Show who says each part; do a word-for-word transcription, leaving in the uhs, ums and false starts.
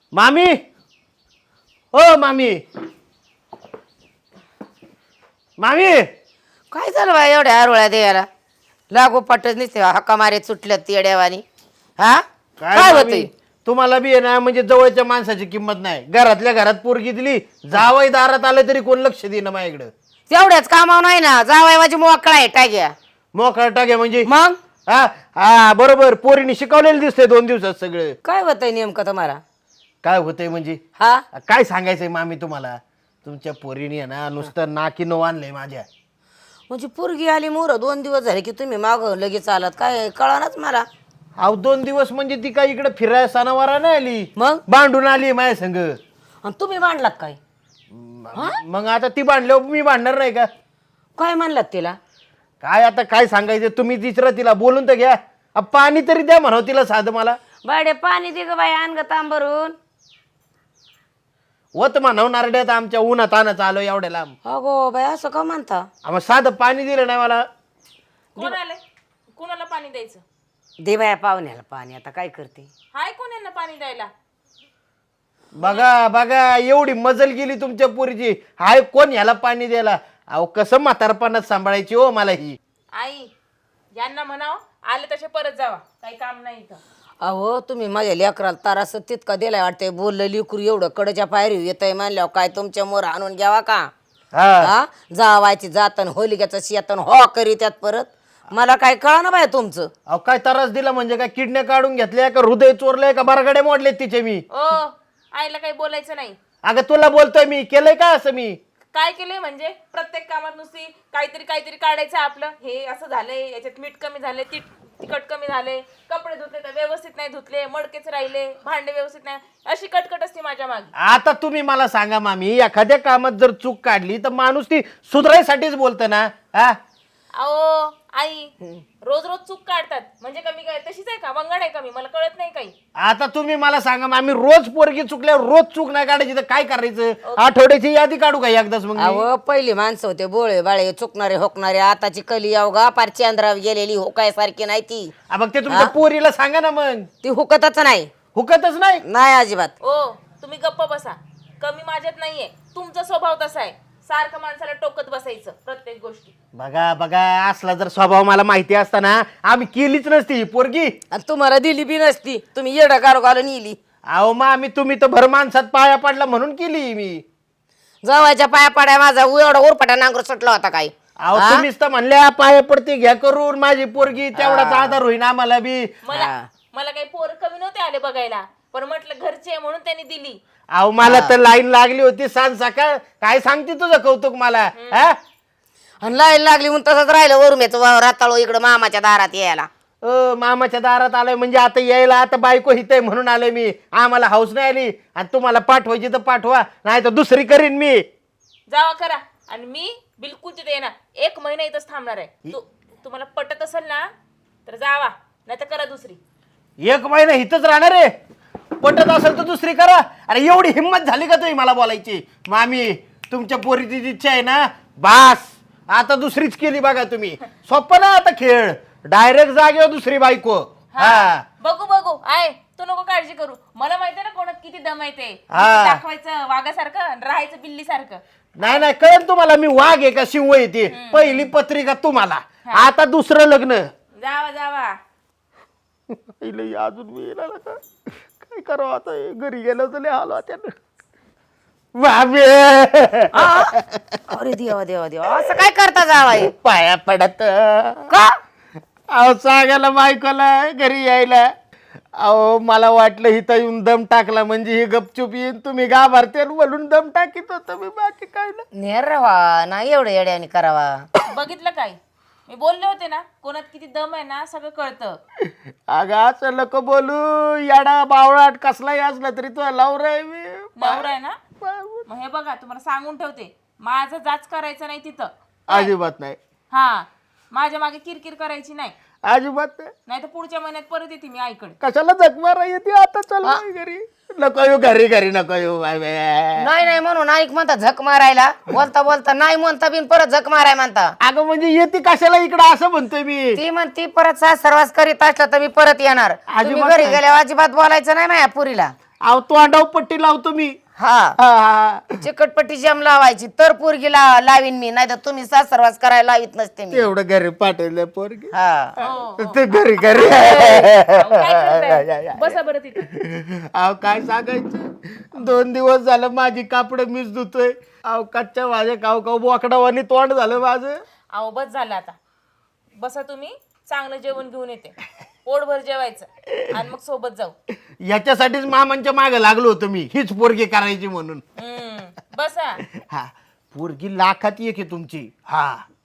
Speaker 1: मामी हो मामी मामी
Speaker 2: काय झालं बा एवढ्या आरोळ्या द्यायला लागो पटच नसते हक्का मारे सुटल्यात येड्यावानी हा काय
Speaker 1: मामी?
Speaker 2: होतंय
Speaker 1: तुम्हाला बी आहे ना म्हणजे जवळच्या माणसाची किंमत नाही घरातल्या घरात पोरगी दिली जावई दारात आलं तरी कोण लक्ष देणं माझ्याकडं
Speaker 2: तेवढ्याच कामावर नाही ना जावाय माझी मोकळा आहे टाक्या
Speaker 1: मोकळा टाक्या म्हणजे
Speaker 2: मग
Speaker 1: हा हा बरोबर पोरीने शिकवलेलं दिसतंय दोन दिवसात सगळं
Speaker 2: काय होतंय नेमकं तुम्हाला
Speaker 1: काय होतंय म्हणजे
Speaker 2: हा
Speaker 1: काय सांगायचंय मामी तुम्हाला तुमच्या पोरीने आहे ना नुसतं नाकीनो आणलंय माझ्या
Speaker 2: म्हणजे पोरगी आली मोर दोन दिवस झाले की तुम्ही माग लगेच आलात काय कळानाच मला
Speaker 1: अहो दोन दिवस म्हणजे ती काय इकडे फिराय सणावारा नाही आली
Speaker 2: मग
Speaker 1: बांधून आली माझ्या संग
Speaker 2: आणि तुम्ही मांडलात काय
Speaker 1: मग आता ती बांधल्यावर मी बांधणार नाही का
Speaker 2: काय म्हणलात तिला
Speaker 1: काय आता काय सांगायचं तुम्ही तिसरं तिला बोलून तर घ्या अ, पाणी तरी द्या म्हणावं तिला साधं मला
Speaker 2: बाडे पाणी दे ग बाई आण ग तांबरून
Speaker 1: वत म्हणावं नारड्यात आमच्या उन्हात आणत आलो एवढ्या लांब
Speaker 2: अगो बाई असं का म्हणता
Speaker 1: मग साधं पाणी दिलं नाही मला
Speaker 3: कोण आले कोणाला पाणी द्यायचं
Speaker 2: दे बाया पाहुण्याला पाणी आता काय करते
Speaker 3: हाय कोण यांना पाणी द्यायला
Speaker 1: बघा बघा एवढी मजल गेली तुमच्या पोरीची हाय कोण ह्याला पाणी द्यायला अहो कसं म्हातारपणात सांभाळायची हो मला ही
Speaker 3: आई यांना म्हणाव आले तसे परत जावा काही काम नाही इथं
Speaker 2: अहो तुम्ही माझ्या लेकराला तारास तितका दिलाय वाटतंय बोललं लिकरू एवढं कडच्या पायरी येतंय म्हणल्यावर काय तुमच्या मोर आणून घ्यावा का
Speaker 1: हा
Speaker 2: हा जावायची जातन होलिक्याचं शेतन हो करी त्यात परत मला काय कळा ना बाय तुमचं
Speaker 1: अहो काय त्रास दिला म्हणजे काय किडण्या काढून घेतल्या का हृदय चोरलंय का बरगडे मोडले तिचे मी
Speaker 3: ओ आईला काही बोलायचं नाही
Speaker 1: अगं तुला बोलतोय मी केलंय का असं मी
Speaker 3: काय केलंय म्हणजे प्रत्येक कामात नुसती काहीतरी काहीतरी काढायचं आपलं हे असं झालंय याच्यात मीठ कमी झाले ती तिखट कमी झाले कपडे धुतले तर व्यवस्थित नाही धुतले मडकेच राहिले भांडे व्यवस्थित नाही अशी कटकट असते माझ्या मागे
Speaker 1: आता तुम्ही मला सांगा मामी एखाद्या कामात जर चूक काढली तर माणूस ती सुधारायसाठीच बोलतं ना हा
Speaker 3: अहो आई रोज रोज चूक काढतात म्हणजे कमी काय तशीच आहे का वंगण आहे कमी मला कळत नाही काही
Speaker 1: आता तुम्ही मला सांगा मामी रोज पोरगी चुकल्यावर रोज चूक नाही काढायची तर काय करायचं आठवड्याची यादी काढू का एकदाच मग मी?
Speaker 2: अहो पहिली माणसं होते बोळे बाळे चुकणारे होकणारे आताची कली अवघा पार चंद्रावर गेलेली होकायसारखी नाही ती
Speaker 1: आ, मग ते तुमच्या पोरीला सांगा ना मग
Speaker 2: ती हुकतच नाही
Speaker 1: हुकतच नाही
Speaker 2: नाही अजिबात
Speaker 3: ओ तुम्ही गप्प बसा कमी माझ्यात नाहीये तुमचा स्वभाव तसा आहे सारखं माणसाला टोकत बसायचं प्रत्येक गोष्टी
Speaker 1: बघा बघा असला जर स्वभाव मला माहिती असता ना आम्ही केलीच नसती ही पोरगी
Speaker 2: आणि तुम्हाला दिली बी नसती तुम्ही येडा गारो घालून इली
Speaker 1: अहो मामी तुम्ही तर भर माणसात पाया पडला म्हणून केली मी
Speaker 2: जवळच्या पाया पाड्या माझा एवढा उरपाटा नांगर सुटला होता काय
Speaker 1: अहो तुम्हीच तर म्हणल्या पाया पडते घ्या करून माझी पोरगी तेवढाच आधार होईन आम्हाला बी
Speaker 3: मला मला काही पोर कमी नव्हते आले बघायला पण म्हटलं घरचे आहे म्हणून त्यांनी दिली
Speaker 1: अहो मला तर लाईन लागली होती सांज सकाळ काय सांगते तुझं कौतुक मला हा
Speaker 2: आणि लाईन लागली म्हणून तसंच राहिलं वरुम्याचं राताळो इकडं मामाच्या दारात यायला
Speaker 1: अ मामाच्या दारात आलोय म्हणजे आता यायला आता बायको हितय म्हणून आलोय मी आम्हाला हाऊस नाही आली आणि तुम्हाला पाठवायची तर पाठवा नाही तर दुसरी करीन मी
Speaker 3: जावा करा आणि मी बिलकुल तिथे येणार एक महिना इथंच थांबणार आहे तू तुम्हाला पटत असेल ना तर जावा नाही तर करा दुसरी
Speaker 1: एक महिना हिथच राहणार आहे पटत असेल तर दुसरी करा अरे एवढी हिंमत झाली का तुम्ही मला बोलायची मामी तुमच्या पोरीची इच्छा आहे ना बास आता दुसरीच केली बघा तुम्ही सोपं ना आता खेळ डायरेक्ट जागेवर दुसरी बायको हा
Speaker 3: बघू बघू आहे तू नको काळजी करू मला माहितीये ना कोणात किती दम आहे ते
Speaker 1: हा.
Speaker 3: दाखवायचं वाघासारखं आणि राहायचं बिल्ली सारखं
Speaker 1: नाही नाही कळेल तुम्हाला मी वाघ आहे का शिव येते पहिली पत्रिका तुम्हाला आता दुसरं लग्न
Speaker 3: जावा जावा
Speaker 1: इले अजून मी येणार का काय करावं आता हे घरी गेलं तर लय हाल त्यानं बाबे
Speaker 2: अरे देवा देवा देवा असं काय करता जावाय
Speaker 1: पाया पडत
Speaker 2: का
Speaker 1: अहो सांगायला बायकोला घरी यायला अहो मला वाटलं इथं येऊन दम टाकला म्हणजे ही गपचूप येईन तुम्ही गाभारते म्हणून दम टाकीत होतं मी बाकी काय ना
Speaker 2: नेर रवा नाही एवढं येड्याने करावा
Speaker 3: बघितलं काय मी बोलले होते ना कोणात किती दम आहे ना सगळं कळतं
Speaker 1: अगं असं नको बोलू याडा बावळाट कसलाही असला तरी तो लावर आहे मी
Speaker 3: नवरा आहे ना मग हे बघा तुम्हाला सांगून ठेवते माझं जाच करायचं नाही तिथं
Speaker 1: अजिबात नाही
Speaker 3: हा माझ्या मागे किरकिर करायची नाही
Speaker 1: अजिबात नाही
Speaker 3: नाही तर पुढच्या महिन्यात परत येते मी आईकडे
Speaker 1: कशाला जगमारा येते आता चल बाई घरी नको येऊ घरी घरी नको येऊ बाय बाय
Speaker 2: नाही नाही म्हणून ऐक म्हणता झक मारायला बोलता बोलता नाही म्हणता बिन परत झक माराय म्हणता
Speaker 1: अगं म्हणजे येते कशाला इकडं असं म्हणतोय मी
Speaker 2: ती म्हणती परत सास सर्वास करीत असलं तर मी परत येणार तुम्ही
Speaker 1: अजिबात
Speaker 2: घरी
Speaker 1: नाही.
Speaker 2: गेल्यावर अजिबात बोलायचं नाही माझ्या पुरीला
Speaker 1: अहो तो अंडाव पट्टी लावतो मी
Speaker 2: हा
Speaker 1: हा, हा.
Speaker 2: चिकटपट्टी जम लावायची तर पोरगीला लावीन मी, नाही तर तुम्ही सासरवास करायला लावित नसते मी.
Speaker 1: तेवढं घरी पाठवलं पोरगी
Speaker 2: हा
Speaker 1: ते घरी घरी
Speaker 3: अहो, काय करताय? बसा बरं तिथे.
Speaker 1: अहो काय सांगायचं, दोन दिवस झालं माझी कापड मीच धुतोय. अहो कच्च्या माझ्या काव काव बोकडावानी तोंड झालं माझं.
Speaker 3: अहो बस झालं आता. बसा तुम्ही, चांगलं जेवण घेऊन येते. पोटभर जेवायचं आणि मग सोबत जाऊ.
Speaker 1: याच्यासाठीच मामांच्या मागे लागलो होतो मी, हीच पोरगी करायची म्हणून.
Speaker 3: हम्म बसा.
Speaker 1: हा पोरगी लाखात एक आहे तुमची. हा